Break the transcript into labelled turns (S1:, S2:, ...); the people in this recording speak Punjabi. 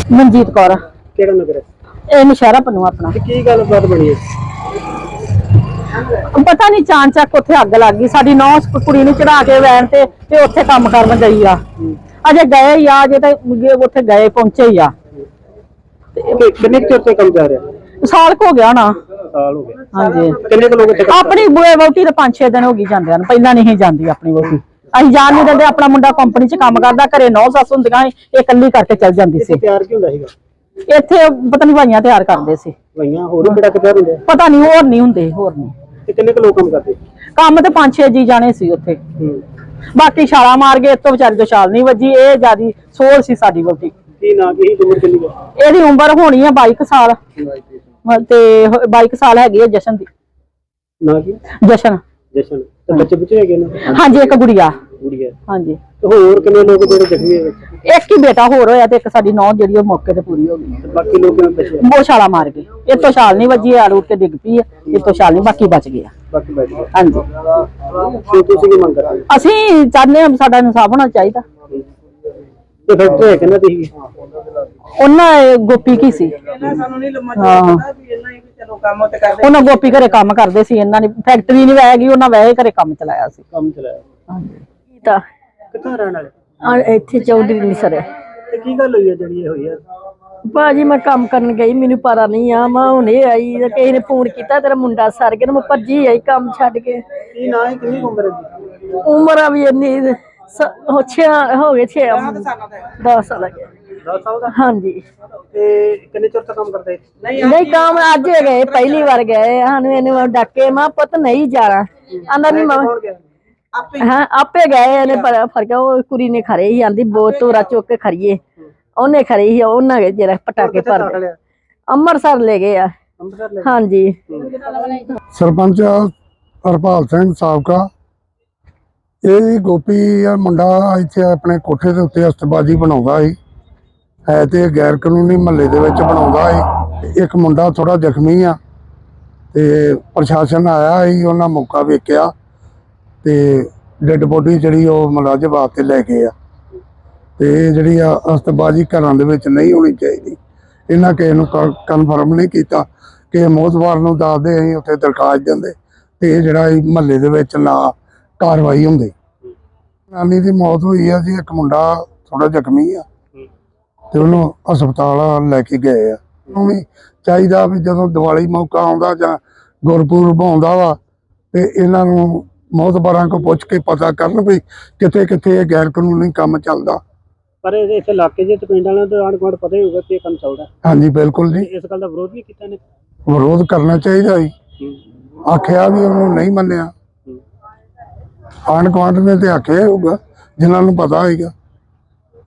S1: ਮਨਜੀਤ ਕੌਰ।
S2: ਕਿਹੜਾ ਨਗਰ ਹੈ?
S1: ਇਹ ਨਸ਼ਹਿਰਾ ਪਨੂ ਆਪਣਾ।
S2: ਤੇ ਕੀ ਗੱਲਬਾਤ ਬਣੀ ਹੈ?
S1: ਪਤਾ ਨਹੀਂ ਚਾਂਚਕ ਉੱਥੇ ਅੱਗ ਲੱਗ ਗਈ। ਸਾਡੀ ਨੌਂ ਕੁੜੀ ਨੂੰ ਚੜਾ ਕੇ ਵੈਨ ਤੇ ਉੱਥੇ ਕੰਮ ਕਰਨ ਗਈ ਆ। ਅਜੇ ਗਏ ਹੀ ਆ, ਅਜੇ ਤਾਂ ਉੱਥੇ ਗਏ ਪਹੁੰਚੇ ਹੀ ਆ।
S2: ਕਿੰਨੇ ਚਿਰ ਤੋਂ ਕੰਮ ਜਾ ਰਿਹਾ?
S1: ਸਾਲ ਹੋ ਗਿਆ ਨਾ।
S2: ਸਾਲ ਹੋ ਗਿਆ।
S1: ਹਾਂਜੀ।
S2: ਕਿੰਨੇ ਲੋਕ ਇੱਥੇ
S1: ਆਪਣੀ ਵਹੁਟੀ ਤੇ 5-6 ਦਿਨ ਹੋ ਗਈ ਜਾਂਦਿਆਂ ਨੂੰ। ਪਹਿਲਾਂ ਨਹੀਂ ਜਾਂਦੀ ਆਪਣੀ ਵਹੁਟੀ। ਅਸੀਂ ਜਾਣ ਨਹੀਂ ਦਿੰਦੇ। ਆਪਣਾ ਮੁੰਡਾ ਕੰਪਨੀ 'ਚ ਕੰਮ ਕਰਦਾ, ਘਰੇ 9 ਸੱਸ ਹੁੰਦੀਆਂ, ਇਹ ਇਕੱਲੀ ਕਰਕੇ ਚੱਲ ਜਾਂਦੀ ਸੀ।
S2: ਤਿਆਰ ਕੀ ਹੁੰਦਾ ਸੀਗਾ
S1: ਇੱਥੇ? ਪਤਾ ਨਹੀਂ ਭਾਈਆਂ ਤਿਆਰ ਕਰਦੇ ਸੀ।
S2: ਭਾਈਆਂ ਹੋਰ ਕਿਹੜਾ ਕਿੱਥੇ ਹੁੰਦੇ?
S1: ਪਤਾ ਨਹੀਂ, ਹੋਰ ਨਹੀਂ ਹੁੰਦੇ, ਹੋਰ ਨਹੀਂ।
S2: ਤੇ ਕਿੰਨੇ ਲੋਕ ਕੰਮ ਕਰਦੇ?
S1: ਕੰਮ ਤੇ 5-6 ਜੀ ਜਾਣੇ ਸੀ ਉੱਥੇ। ਬਾਕੀ ਛਾਲਾ ਮਾਰ ਗਏ। ਇਤੋਂ ਵਿਚਾਰੀ ਤੋਂ ਛਾਲ ਨਹੀਂ ਵੱਜੀ। ਇਹ ਜਿਆਦੀ ਸੋਲ ਸੀ ਸਾਡੀ ਵਹੁਟੀ।
S2: ਕੀ ਨਾ ਕੀ ਉਮਰ ਕਿੰਨੀ ਹੈ?
S1: ਇਹਦੀ ਉਮਰ ਹੋਣੀ ਆ 22 ਸਾਲ ਤੇ 22 ਸਾਲ ਹੈਗੀ ਹੈ ਜਸ਼ਨ ਦੀ।
S2: ਨਾ ਕੀ?
S1: ਜਸ਼ਨ।
S2: ਜਸ਼ਨ। ਤੇ ਬੱਚੇ ਹੈਗੇ ਨੇ?
S1: ਹਾਂਜੀ, ਇੱਕ ਗੁੜੀਆ।
S2: ਗੁੜੀਆ।
S1: ਹਾਂਜੀ।
S2: ਤੇ ਹੋਰ ਕਿੰਨੇ ਲੋਕ ਜਿਹੜੇ ਜ਼ਖਮੀ ਹੋਏ?
S1: ਇੱਕ ਹੀ ਬੇਟਾ ਹੋਰ ਹੋਇਆ ਤੇ ਇੱਕ ਸਾਡੀ ਨੌਂ ਜਿਹੜੀ ਉਹ ਮੌਕੇ ਤੇ ਪੂਰੀ ਹੋ ਗਈ।
S2: ਤੇ ਬਾਕੀ ਲੋਕਾਂ ਨੇ
S1: ਉਹ ਛਾਲਾ ਮਾਰ ਗਏ। ਇਤੋਂ ਛਾਲ ਨਹੀਂ ਵੱਜੀ, ਆ ਰੂਟ ਕੇ ਡਿੱਗ ਪਈ ਹੈ। ਇਤੋਂ ਛਾਲ ਨਹੀਂ, ਬਾਕੀ ਬਚ ਗਿਆ।
S2: ਬਾਕੀ ਬਚ ਗਏ।
S1: ਹਾਂਜੀ।
S2: ਤੇ ਤੁਸੀਂ ਕੀ ਮੰਗ ਕਰਦੇ?
S1: ਅਸੀਂ ਚਾਹੁੰਦੇ ਹਾਂ ਸਾਡਾ ਇਨਸਾਫ ਹੋਣਾ ਚਾਹੀਦਾ।
S2: ਤੇ ਫੈਕਟਰੀ ਹੈ ਕਿੰਨਾ ਦੀ?
S1: ਉਹਨਾਂ ਗੋਪੀ ਕੀ ਸੀ? ਉਹਨਾਂ ਗੋਪੀ ਘਰੇ ਕੰਮ ਕਰਦੇ ਸੀ। ਇਹਨਾਂ ਨੇ ਫੈਕਟਰੀ ਨਹੀਂ ਵੈਗੀ, ਉਹਨਾਂ ਵੈਸੇ ਘਰੇ ਕੰਮ ਚਲਾਇਆ ਸੀ।
S2: ਕੰਮ ਚਲਾਇਆ।
S1: ਹਾਂਜੀ। ਤਾਂ
S2: ਕਿੱਥੋਂ ਰਹਿਣ ਵਾਲੇ?
S1: ਇੱਥੇ ਚੌਧਰੀ ਨਹੀਂ ਸਰੇ।
S2: ਤੇ ਕੀ ਗੱਲ ਹੋਈ ਹੈ ਜਿਹੜੀ ਇਹ ਹੋਈ ਹੈ?
S1: ਭਾਜੀ ਮੈਂ ਕੰਮ ਕਰਨ ਗਈ, ਮੈਨੂੰ ਪਤਾ ਨਹੀਂ ਆ। ਮੈਂ ਹੁਣੇ ਆਈ ਤੇ ਕਿਸੇ ਨੇ ਫੋਨ ਕੀਤਾ ਤੇਰਾ ਮੁੰਡਾ ਸਰ ਗਿਆ। ਮੈਂ ਭੱਜੀ ਆਈ ਕੰਮ ਛੱਡ ਕੇ।
S2: ਕੀ ਨਾ ਹੈ? ਕਿੰਨੀ ਉਮਰ ਹੈ?
S1: ਉਮਰ ਆ ਵੀ ਇੰਨੀ ਹੋ ਗਏ 10 ਸਾਲ ਹੋ ਗਏ।
S2: 10 ਸਾਲ ਦਾ?
S1: ਹਾਂਜੀ।
S2: ਤੇ ਕਿੰਨੇ ਚਿਰ ਤੋਂ ਕੰਮ ਕਰਦੇ?
S1: ਨਹੀਂ ਕੰਮ ਅੱਜ ਗਏ, ਪਹਿਲੀ ਵਾਰ ਗਏ। ਸਾਨੂੰ ਇਹਨੂੰ ਡਾਕੇ ਮੈਂ ਪੁੱਤ ਨਹੀਂ ਜਾਣਾ। ਆਂਦਾ ਨਹੀਂ ਮੈਂ ਹਾਂ ਆਪੇ ਗਏ। ਇਹਨੇ ਫਰਕ ਉਹ ਕੁੜੀ ਨੇ ਖਰੇ ਹੀ ਆਂਦੀ ਬਹੁਤ ਧੋਰਾ ਚੁੱਕ ਕੇ ਖੜੀਏ। ਉਹਨੇ ਖਰੀ ਸੀ, ਉਹਨਾਂ ਗਏ ਜਿਹੜਾ ਪਟਾਕੇ ਭਰ ਅੰਮ੍ਰਿਤਸਰ ਲੈ ਗਏ ਆ। ਹਾਂਜੀ।
S3: ਸਰਪੰਚ ਹਰਪਾਲ ਸਿੰਘ ਸਾਬਕਾ। ਇਹ ਗੋਪੀ ਆ ਮੁੰਡਾ ਇੱਥੇ ਆਪਣੇ ਕੋਠੇ ਦੇ ਉੱਤੇ ਅਸਤਬਾਜੀ ਬਣਾਉਂਦਾ ਸੀ। ਹੈ ਤੇ ਗੈਰ ਕਾਨੂੰਨੀ ਮਹੱਲੇ ਦੇ ਵਿੱਚ ਬਣਾਉਂਦਾ ਸੀ। ਇੱਕ ਮੁੰਡਾ ਥੋੜਾ ਜ਼ਖਮੀ ਆ ਤੇ ਪ੍ਰਸ਼ਾਸਨ ਆਇਆ ਸੀ, ਉਹਨਾਂ ਮੌਕਾ ਵੇਖਿਆ ਤੇ ਡੈਡ ਬੋਡੀ ਜਿਹੜੀ ਉਹ ਮੁਲਾਜ਼ਮ ਵਾਸਤੇ ਲੈ ਗਏ ਆ। ਤੇ ਜਿਹੜੀ ਆ ਅਸਤਬਾਜੀ ਘਰਾਂ ਦੇ ਵਿੱਚ ਨਹੀਂ ਹੋਣੀ ਚਾਹੀਦੀ। ਇਹਨਾਂ ਕਿਸੇ ਨੂੰ ਕਨਫਰਮ ਨਹੀਂ ਕੀਤਾ ਕਿ ਮੋਹਤਵਾਰ ਨੂੰ ਦੱਸਦੇ ਅਸੀਂ ਉੱਥੇ ਦਰਖਾਸਤ ਦਿੰਦੇ ਤੇ ਇਹ ਜਿਹੜਾ ਮਹੱਲੇ ਦੇ ਵਿੱਚ ਨਾ ਕਾਰਵਾਈ ਹੁੰਦੀ। ਨਾਨੀ ਦੀ ਮੌਤ ਹੋਈ ਆ ਜੀ। ਇੱਕ ਮੁੰਡਾ ਥੋੜਾ ਜ਼ਖਮੀ ਆ ਤੇ ਉਹਨੂੰ ਹਸਪਤਾਲ ਲੈ ਕੇ ਗਏ ਆ। ਉਹਨੂੰ ਵੀ ਚਾਹੀਦਾ ਵੀ ਜਦੋਂ ਦੀਵਾਲੀ ਮੌਕਾ ਆਉਂਦਾ ਜਾਂ ਗੁਰਪੁਰਬ ਆਉਂਦਾ ਵਾ ਤੇ ਇਹਨਾਂ ਨੂੰ ਮੌਤਬਾਰਾਂ ਕੋਲ ਪੁੱਛ ਕੇ ਪਤਾ ਕਰਨ ਵੀ ਕਿੱਥੇ ਕਿੱਥੇ ਇਹ ਗੈਰ ਕਾਨੂੰਨੀ ਕੰਮ ਚੱਲਦਾ।
S2: ਪਰ ਇੱਥੇ ਇਲਾਕੇ ਦੇ ਪਿੰਡ ਵਾਲਿਆਂ ਨੂੰ ਆਂਢ ਗੁਆਂਢ ਪਤਾ ਹੀ ਹੋਊਗਾ ਕਿ ਇਹ ਕੰਮ ਚੱਲਦਾ।
S3: ਹਾਂਜੀ ਬਿਲਕੁਲ ਜੀ।
S2: ਇਸ ਗੱਲ ਦਾ ਵਿਰੋਧ ਵੀ ਕੀਤਾ ਨੇ?
S3: ਵਿਰੋਧ ਕਰਨਾ ਚਾਹੀਦਾ ਜੀ। ਆਖਿਆ ਵੀ ਉਹਨੂੰ ਨਹੀਂ ਮੰਨਿਆ। ਆਂਢ ਗੁਆਂਢ ਨੇ ਤੇ ਆਖਿਆ ਹੋਊਗਾ ਜਿਨ੍ਹਾਂ ਨੂੰ ਪਤਾ ਹੋਏਗਾ।